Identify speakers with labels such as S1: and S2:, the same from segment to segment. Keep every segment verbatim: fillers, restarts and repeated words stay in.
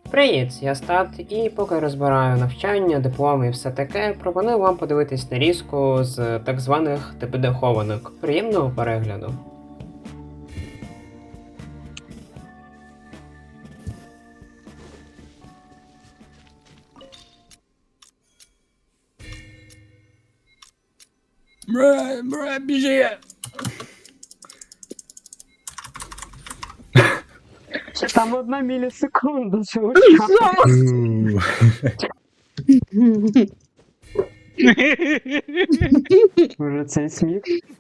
S1: Привіт, я Стат, і поки розбираю навчання, дипломи і все таке, пропоную вам подивитись нарізку з так званих ТПД хованок. Приємного перегляду.
S2: Бра, бра, біжи!
S1: Там одна мілісекунда цього. Може цей сміх?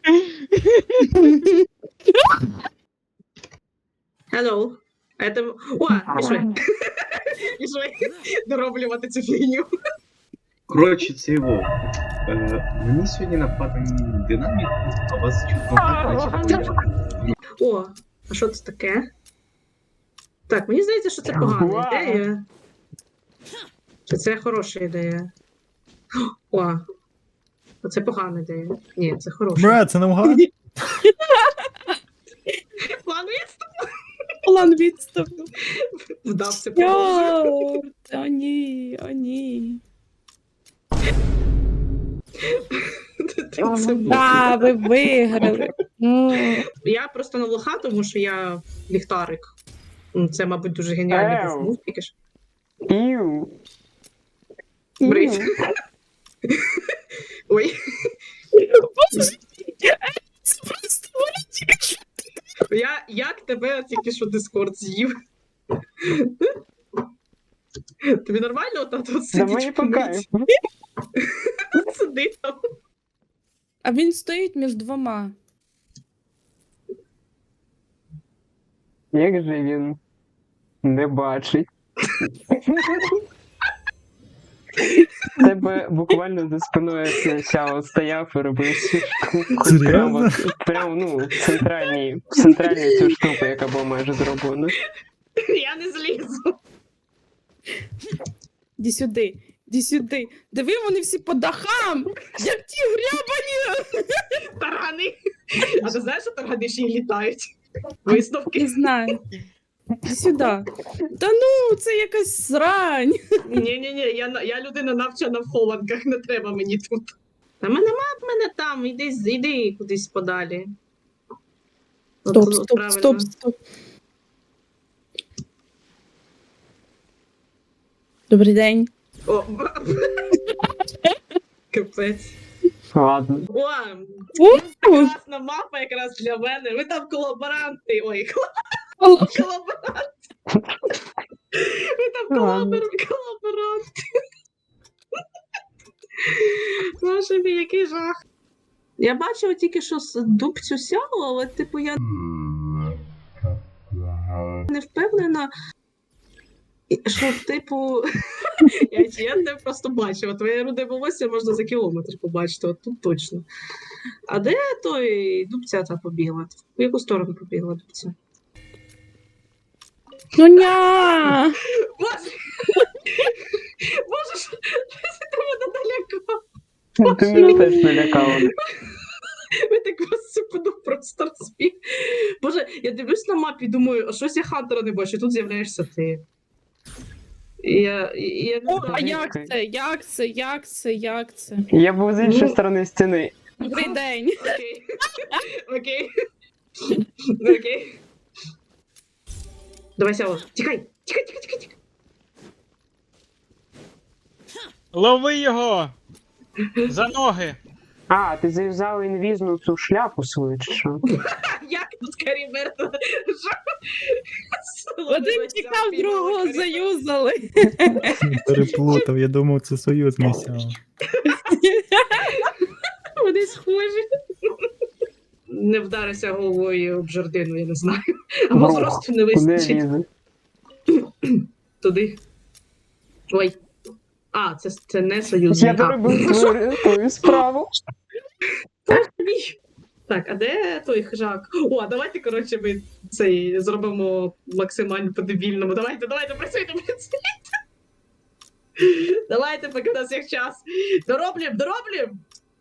S3: Hello. Это... О, пішли. Пішли дороблювати цю фігню.
S4: Коротше, це його. Е, мені сьогодні нападаний динамік, а вас чутно так, наче.
S3: О, а що це таке? Так, мені здається, що це погана ідея. Чи це хороша ідея? О, це погана ідея. Ні, це хороша.
S2: Бра, це навгад?
S3: План відступ
S5: План відступу.
S3: вдався по-моєму.
S5: Йо, о ні, о ні.
S3: Це було.
S5: Да, ви виграли. Ну,
S3: Я просто на лоха, тому що я ліхтарик. М, Це, мабуть, дуже геніальний
S1: Ев.
S3: був мув, тільки ж.
S1: Іу.
S3: Брить. Ой.
S5: це просто вилетів.
S3: Я як тебе тільки що Дискорд з'їв? Тобі нормально отак от
S1: Да
S3: сидіть?
S1: мені по кайфу.
S3: Сиди там.
S5: А він стоїть між двома.
S1: Як же він не бачить? Тебе буквально за спиною Сяо стояв і робив цю штуку.
S2: Серйозно?
S1: Прямо, прямо, ну, в центральній, в центральній цю штуку, яка була майже зроблена.
S3: Я не злізу.
S5: Іди сюди, іди сюди. Диви, вони всі по дахам, як ті грябані.
S3: Таргани. А ти знаєш, що таргани ще й літають? Висновки.
S5: Не знаю. Іди сюди. Та ну, це якась срань.
S3: Ні-ні-ні, я, на- я людина навчена в хованках, не треба мені тут. Та мене нема в мене там, іди, з- іди кудись подалі. От-
S5: Стоп,
S3: от
S5: стоп,
S3: правильно.
S5: стоп, стоп. Добрий день.
S3: О, капець.
S1: Ладно.
S3: О,
S5: О,
S3: класна мапа якраз для мене. Ви там колаборанти. Ой, колаборанти. Ви там колабор... колаборанти. Боже мій, який жах. Я бачила тільки, що з дубцю сяло, але типу я не впевнена, що типу. Я, я не просто бачила. Твоє руде волосся можна за кілометр побачити, от тут точно. А де той дубця та побігла? В яку сторону побігла дубця?
S5: ну ня.
S3: Боже! Боже, що ти мене налякав?
S1: Ти мене теж налякала.
S3: Ви так вас супину просто розбіг. Боже, я дивлюсь на мапі і думаю, а щось я Хантера не бачу, тут з'являєшся ти. І Я, і я не
S5: О, а
S3: знаю.
S5: як це? Як це? Як це? Як це?
S1: Я був з іншої
S3: Ну.
S1: сторони стіни.
S5: Добрий день.
S3: Окей. Окей. Окей. Давай, Сяо, тікай! Тікай, тікай, тікай, тікай!
S6: Лови його! За ноги!
S1: А, ти зав'язав інвізну цю шляпу свою, чи що?
S3: Як тут Карі мертва?
S5: Один тікав, другого заюзали.
S2: Переплутав, я думав, це союзний сяв.
S3: Вони схожі. Не вдарися головою об жердину, я не знаю. Або
S1: Бро,
S3: зросту не
S1: Куди
S3: вистачить.
S1: лізе?
S3: Туди. Ой. А, це, це не союзний.
S1: Я доробив твою, твою справу.
S3: Мій. Так, а де той хижак? О, а давайте, коротше, ми цей зробимо максимально по-дебільному. Давайте, давайте, працюйте, працюйте. Давайте, поки у нас є час. Дороблім, дороблім!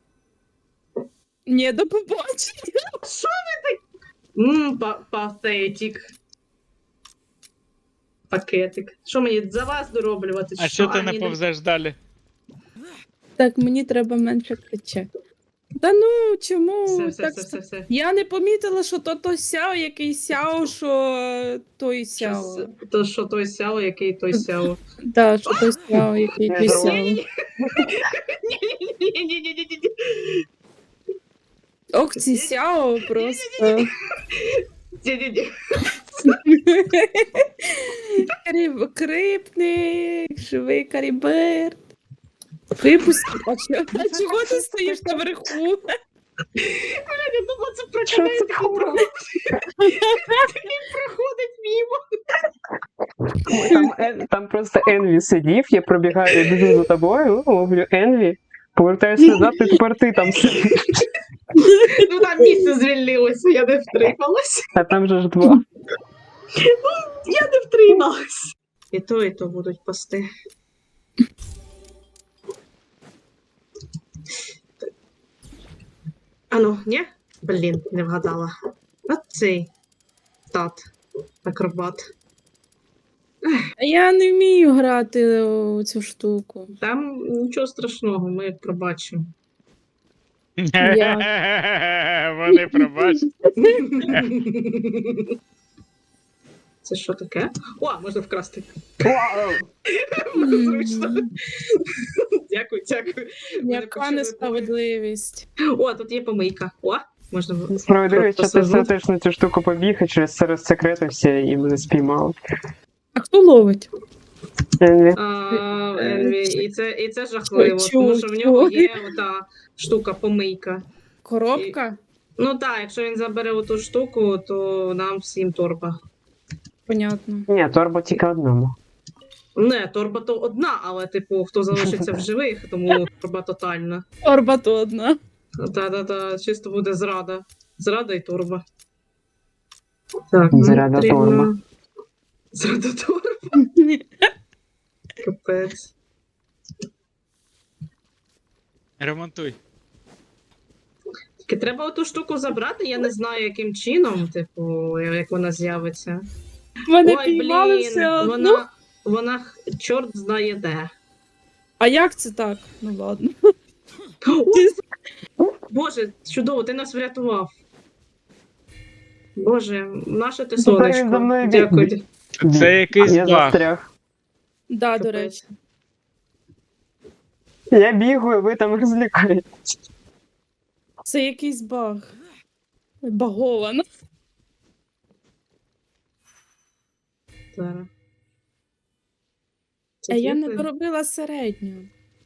S5: Ні, до побачення.
S3: Ммм, па- патетик. Пакетик. Що мені за вас дороблювати?
S6: А що ти
S3: ні,
S6: не повзеш далі?
S5: Так, мені треба менше кричати. Та ну, чому?
S3: Все, все,
S5: так
S3: все, все, все.
S5: Я не помітила, що то то сяо, який сяо, що той сяо.
S3: Щас, то що той сяо, який той сяо.
S5: Да, що той сяо, який той сяо.
S3: Ні-ні-ні-ні-ні-ні-ні.
S5: Ох, ці сяо просто.
S3: Ні-ні-ні.
S5: Кріп, крипник, живий каріберт. Випусти. А чого, а чого ти стоїш наверху?
S3: Я думала, це проканає такий проходить. Такий проходить мімо.
S1: Там, Ен- там просто Енві сидів, я пробігаю, біжу за тобою, ловлю Енві, повертаюся назад, і тепер ти там сидиш.
S3: Ну там місце звільнилося, я не втрималась.
S1: А там же ж два.
S3: Я не втрималась. І то, і то будуть пасти. Ану, ні? Блін, не вгадала. От цей тат, акробат.
S5: А я не вмію грати у цю штуку.
S3: Там нічого страшного, ми пробачимо.
S6: Вони пробачать.
S3: Це що таке? О, можна вкрасти. Буде зручно. Дякую, дякую. Мене
S5: Яка
S3: почали
S5: несправедливість.
S3: бувати. О, тут є помийка. О, можна.
S1: Справедливість, що ти все
S3: посажу.
S1: теж на цю штуку побіг, і через це розсекретився і мене спіймав.
S5: А хто ловить?
S1: Енві.
S3: А, Енві, і це, і це жахливо,
S5: Ой,
S3: тому що в нього
S5: чого?
S3: є ота штука помийка.
S5: Коробка?
S3: Ну так, якщо він забере оту штуку, то нам всім торба.
S5: Понятно.
S1: Ні, торба тільки одному.
S3: Не, торба то одна, але типу, хто залишиться в живих, тому торба тотальна.
S5: Торба то одна.
S3: Та-та-та, чисто буде зрада. Зрада і торба. Так,
S1: Зрада
S3: потрібно-
S1: торба.
S3: Зрада торба, капець.
S6: Ремонтуй.
S3: Тільки треба оту штуку забрати, я не знаю, яким чином, типу, як вона з'явиться.
S5: Мене
S3: Ой,
S5: піймали
S3: блін,
S5: все одно.
S3: вона, вона х- чорт знає де.
S5: А як це так? Ну ладно.
S3: О, Боже, чудово, ти нас врятував. Боже, наше ти
S1: Тепер він
S3: сонечко.
S1: за мною біг.
S3: Дякую.
S6: Це якийсь
S1: Я
S6: баг.
S1: застряг.
S5: Да, до
S3: Капець.
S5: речі.
S1: Я бігаю, ви там розлікаєтесь.
S5: Це якийсь баг. Баговано.
S3: Зараз. Це
S5: А я не
S3: діти?
S5: доробила середню.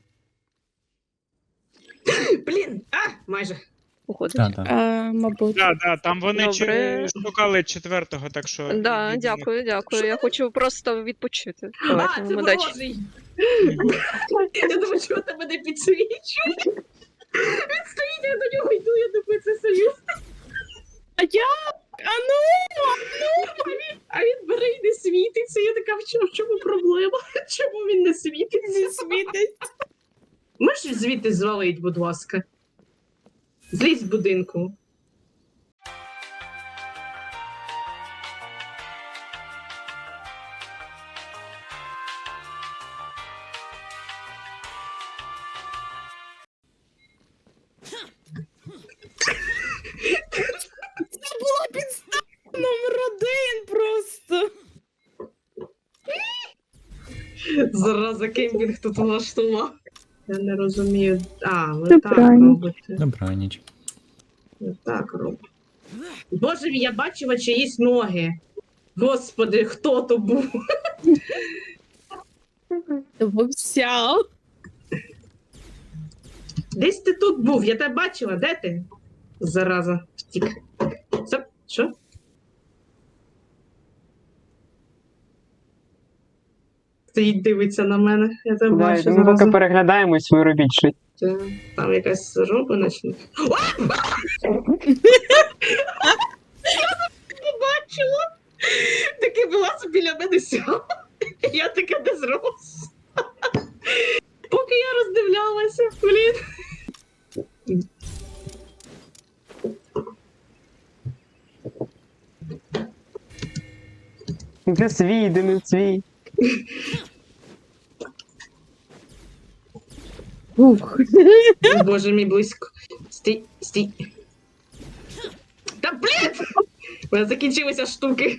S3: Блін! А, майже.
S7: Уходить.
S2: Так, так.
S5: А, мабуть.
S6: Да, да, там вони
S7: Добре.
S6: чи- шукали четвертого, так що.
S7: Да,
S6: від-
S7: дякую, дякую. Я хочу просто відпочити. Давайте,
S3: А, це
S7: удачі.
S3: ворожий! Я думаю, чого тебе не підсвічує? Він стоїть, я до нього йду, я думаю, це союз.
S5: А як? А ну!
S3: А він бере і не світиться. Я така, в чому, в чому проблема? Чому він не світиться?
S5: Не світить.
S3: Можеш звідти звалить, будь ласка? Злізь з будинку.
S5: Це була підстава номер один просто.
S3: Зараза, кемпінг тут влаштував. Я не розумію. А, ви
S5: Це
S3: так
S5: правильно.
S3: робите.
S2: Добраніч.
S3: Ви так робите. Боже мій, я бачила чиїсь ноги. Господи, хто то був?
S5: Вовсяв.
S3: Десь ти тут був, я тебе бачила, де ти? Зараза, втік. Це що? Стоїть, дивиться на мене, я тебе
S1: Да,
S3: бачу
S1: ми поки
S3: зараза.
S1: переглядаємось, ви робіть щось.
S3: Це- Там якась роба начне. Побачила! Таки була собі біля мене сяла. Я таке не зрос. Поки я роздивлялася, блін.
S1: Де свій, де не свій.
S5: Ух.
S3: О, Боже мій, близько. Стій, стій. Та блін! У мене закінчилися штуки.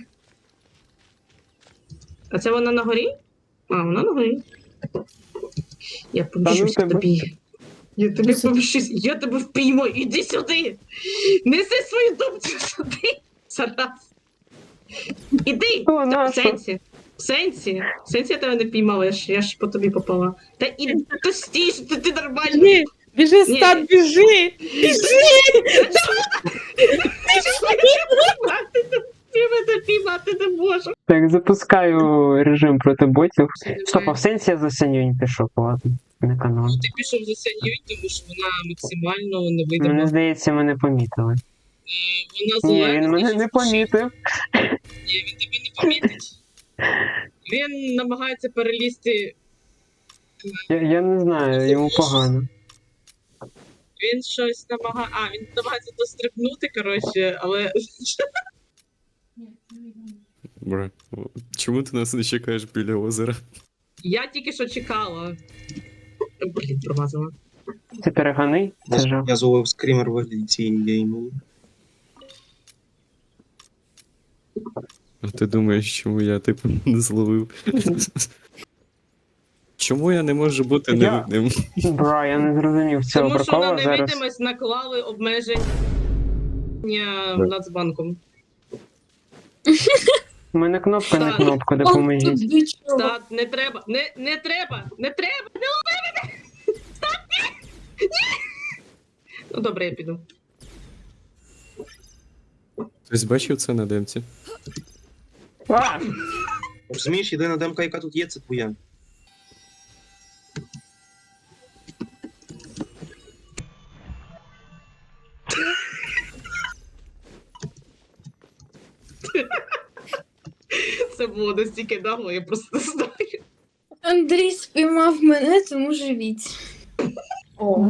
S3: А це вона на горі? А, вона на горі. Я помщусь
S1: тебе.
S3: тобі. Я тебе помщусь. Я тебе впіймаю. Іди сюди. Неси свою думцю сюди. Зараз. Іди.
S1: О,
S3: Та, в
S1: нащо?
S3: сенсі. В сенсі. В сенсі я тебе не піймала, я ж, я ж по тобі попала. Та і то стій, що ти, ти нормально.
S5: Біжи, біжи,
S3: Ні.
S5: стат, біжи!
S3: Я мене піймати не можу.
S1: Так, запускаю режим проти ботів. Стоп, а в сенсі я за Сянюнь пішов, ладно. Не канон.
S3: Ти пішов за Сяньюнь, тому що вона максимально
S1: Мені
S3: невидима.
S1: здається, мене помітили.
S3: Е, Вона
S1: Ні,
S3: зелена.
S1: він мене
S3: значить,
S1: не помітив.
S3: Ні, він тебе не помітить. Він намагається перелізти.
S1: Я, я не знаю, йому погано.
S3: Він щось намагає. А, він намагається дострибнути, коротше, але.
S8: Бра, чому ти нас не чекаєш біля озера?
S3: Я тільки що чекала. Блін, промазала.
S1: Це перегани? Це жах.
S9: Я зловив скрімер в вигляді цієї гейму.
S8: А ти думаєш, чому я типу не зловив? Чому я не можу бути
S1: Я-
S8: невидним?
S1: Бра, я не зрозумів цього
S3: Тому що на
S1: прикола зараз.
S3: невидимість наклали обмеження Нацбанком.
S1: У мене кнопка не
S3: Так.
S1: кнопка, допоможіть.
S3: Стат, не треба, не, не треба, не треба, не лови мене! Стат, ні! Ні! Ну добре, я піду.
S8: Хтось бачив це на демці?
S1: А!
S9: Розумієш, єдина демка, яка тут є, це твоя.
S3: Це було настільки нагло, я просто не знаю.
S10: Андрій спіймав мене, тому живіть. О.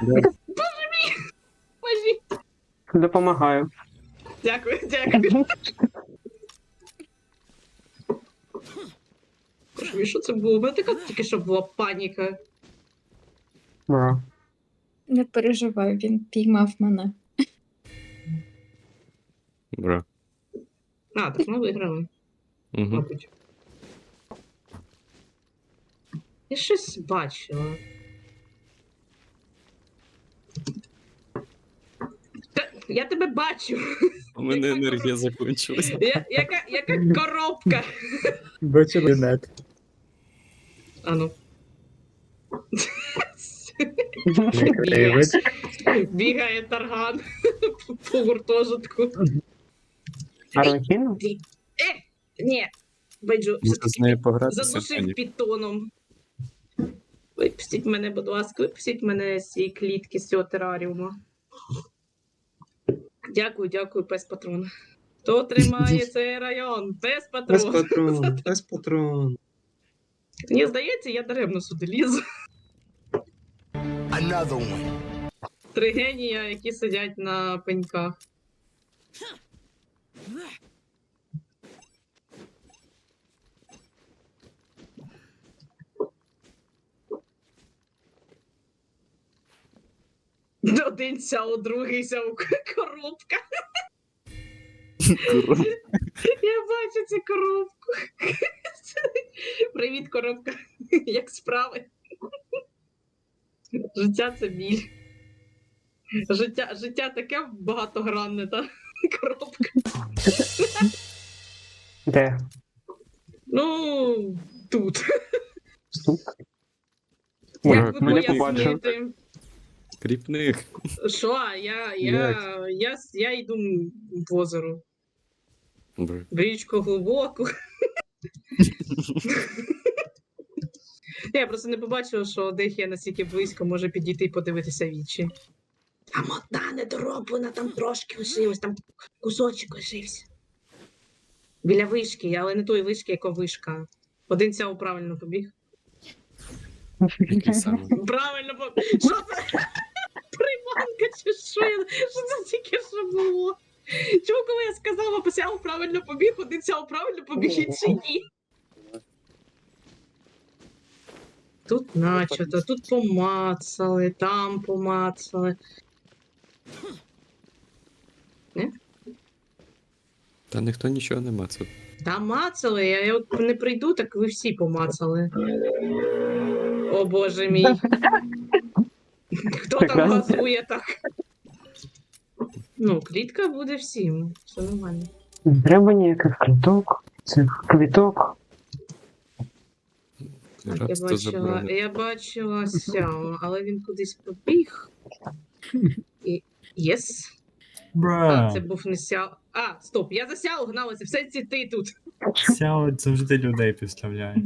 S3: Божі.
S1: Допомагаю.
S3: Дякую, дякую. Боже, що це було? У мене така тільки що була паніка.
S1: Бра.
S10: Не переживай, він піймав мене.
S8: Бра.
S3: А, так ми виграли,
S8: Угу.
S3: мабуть. Я щось бачила. Та, я тебе бачу.
S8: У мене енергія закінчилася.
S3: Я, яка, яка коробка?
S2: Бачу нет.
S3: А ну.
S2: Привид.
S3: Бігає тарган по гуртожитку.
S1: Арлекіно?
S3: Е, ні, Бейджу,
S8: Можна з нею погратися?
S3: задушив
S8: Ані?
S3: підтоном. Випустіть мене, будь ласка, випустіть мене з цієї клітки, з цього тераріума. Дякую, дякую, пес патрон. Хто тримає цей район? Пес
S9: Без
S3: патрон.
S9: патрон, без патрон.
S3: Мені здається, я даремно сюди лізу. Три генія, які сидять на пеньках. Один сяо, другий сяо, коробка. Я бачу цю коробку. Привіт, коробка. Як справи? Життя це біль. Життя, життя таке багатогранне, та коробка.
S1: Де?
S3: Ну, тут.
S1: Ні,
S3: Як би
S1: мене побачив.
S3: пояснити?
S8: Кріпних.
S3: Що? Я, я, я, я йду в озеро.
S8: Бра.
S3: В річку глибоку. Я просто не побачила, що Дехія настільки близько може підійти і подивитися вічі. Там одна недороблена, там трошки лишилось, там кусочок лишився. Біля вишки, але не тої вишки, яка вишка. Один цяо правильно побіг.
S8: Який саме?
S3: Правильно побіг. Що це? Приманка чи що? Я- Що це тільки що було? Чому, коли я сказала, Сяо правильно побіг, один Сяо правильно побіг, інший ні. Тут начато, тут помацали, там помацали.
S8: Та ніхто нічого не мацав.
S3: Та мацали, я, я от не прийду, так ви всі помацали. О боже мій. Хто там
S1: Прекрасно.
S3: газує так? Ну, клітка буде всім, все нормально.
S1: Не треба ніяких квіток, цих квіток.
S3: Так, я
S8: Раз то
S3: бачила,
S8: забрали.
S3: я бачила Сяо, але він кудись побіг. І... Єс. А,
S2: Бра.
S3: це був не Сяо. А, стоп, я за Сяо гналася, все ці ти тут.
S2: Сяо завжди людей підставляє.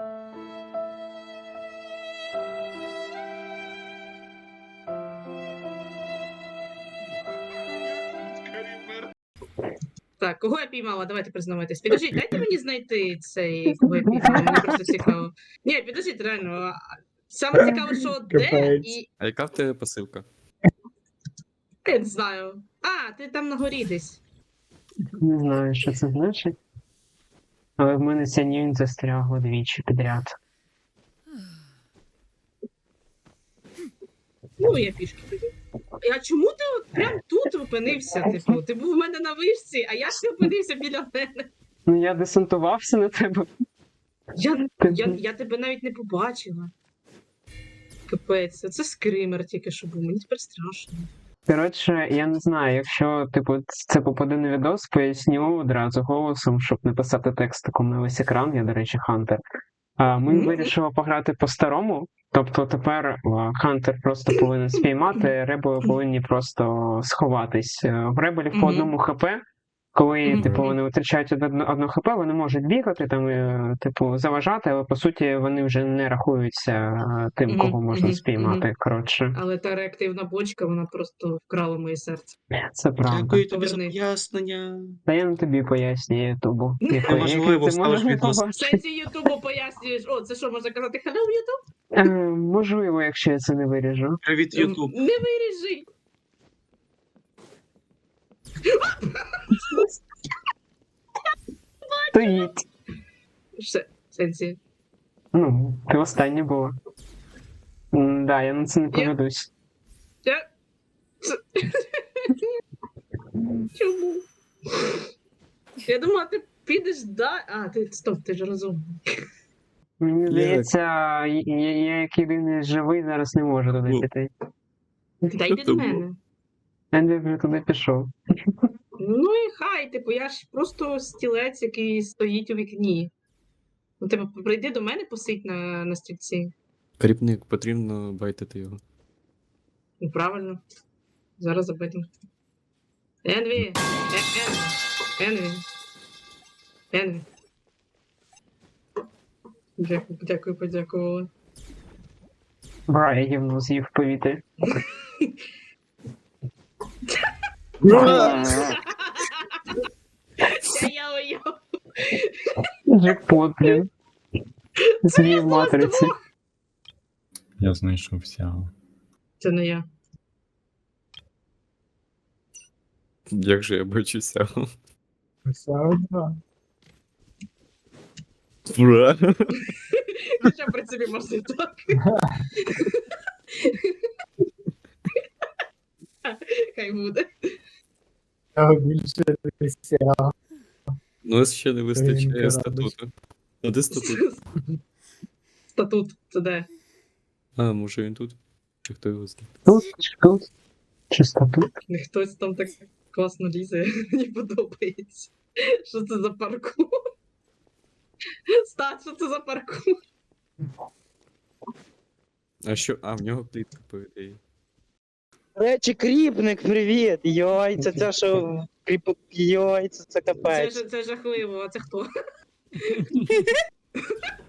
S3: Так, кого я піймала? Давайте признавайтесь. Підождіть, дайте мені знайти цей, кого я піймала, мені просто цікаво. Ні, підождіть, реально. а, Саме цікаво, що де
S2: Капець.
S3: і.
S8: А яка в тебе посилка?
S3: Я не знаю. А, ти там на горі десь.
S1: Не знаю, що це значить. Але в мене ця нюнь застрягла двічі підряд.
S3: Ну, я пішки тоді. А чому ти от прям тут опинився? Типу, ти був в мене на вишці, а я ще опинився біля мене.
S1: Ну я десантувався на тебе.
S3: Я,
S1: Ти-
S3: я, я тебе навіть не побачила. Капець, це скример тільки що був, мені тепер страшно.
S1: Коротше, я не знаю, якщо типу це попаде на відос, поясню одразу голосом, щоб не писати текстиком на весь екран, я, до речі, Хантер. А ми
S3: Мгм.
S1: вирішили пограти по-старому. Тобто тепер а, Хантер просто повинен спіймати, ребели повинні просто сховатись. Е, В ребелів по
S3: Мгм.
S1: одному хп. Коли,
S3: Мгм.
S1: типу, вони втрачають одне, одне хп, вони можуть бігати, там, е, типу, заважати, але по суті вони вже не рахуються е, тим,
S3: Мгм,
S1: кого можна
S3: мгм,
S1: спіймати.
S3: мгм.
S1: Коротше,
S3: Але та реактивна бочка, вона просто вкрала моє серце.
S1: це правда.
S9: Дякую тобі за
S3: Поверни.
S9: пояснення.
S1: Та я не тобі пояснюю Ютубу. Яко-
S9: Неважливо,
S1: який ти
S9: ставиш
S1: можеш
S9: відос.
S3: В
S1: побачити.
S3: сенсі Ютубу пояснюєш. О, це що, можна казати hello, Ютуб?
S1: Е, Можливо, якщо я це не виріжу.
S9: Привіт, Ютуб.
S3: Не виріжи.
S1: Стоїть.
S3: Все, в сенсі.
S1: Ну, ти останнє було. М, Да, я на це не
S3: Я-
S1: поведусь.
S3: Я... Це- Чому? Я думала, ти підеш да. А, ти стоп, ти ж розумний.
S1: Мені здається, я, я, я як єдиний живий зараз не можу туди
S8: Ну.
S1: піти.
S3: Та йди до мене.
S1: Енді вже туди пішов.
S3: Ну і хай, типу, я ж просто стілець, який стоїть у вікні. Ну, типу, прийди до мене, посидь на, на стільці.
S8: Кріпник, потрібно байтити його.
S3: Ну, правильно. Зараз забитим. Енві! Е- Ен- Енві! Енві! Дякую, дякую, подякувала.
S1: Бра, я гівно з'їв в повітрі.
S3: Я я уйоб.
S1: Джекпот, блін. Змій в матриці.
S2: Я знайшов Сяо.
S3: Це не я.
S8: Як же я бачуся?
S2: Сяо два.
S8: Бра.
S3: Хоча, в принципі, можна і так. Хай буде.
S2: Більше Сяо.
S8: Ну, ще не вистачає
S2: Ринка
S8: статуту. А де статут?
S3: Статут, це де?
S8: А, може він тут? Чи хто його знає?
S1: Тут, чи тут. Чисто тут.
S3: Не хтось там так класно лізе, мені подобається. Що це за паркур? Стат, що це за паркур?
S8: А що? А, в нього клітка, по ідеї.
S11: Речі, кріпник, привіт! Йой, це це що кріп... Йой, це, це
S3: Це,
S11: капець.
S3: ж- це жахливо, а це хто?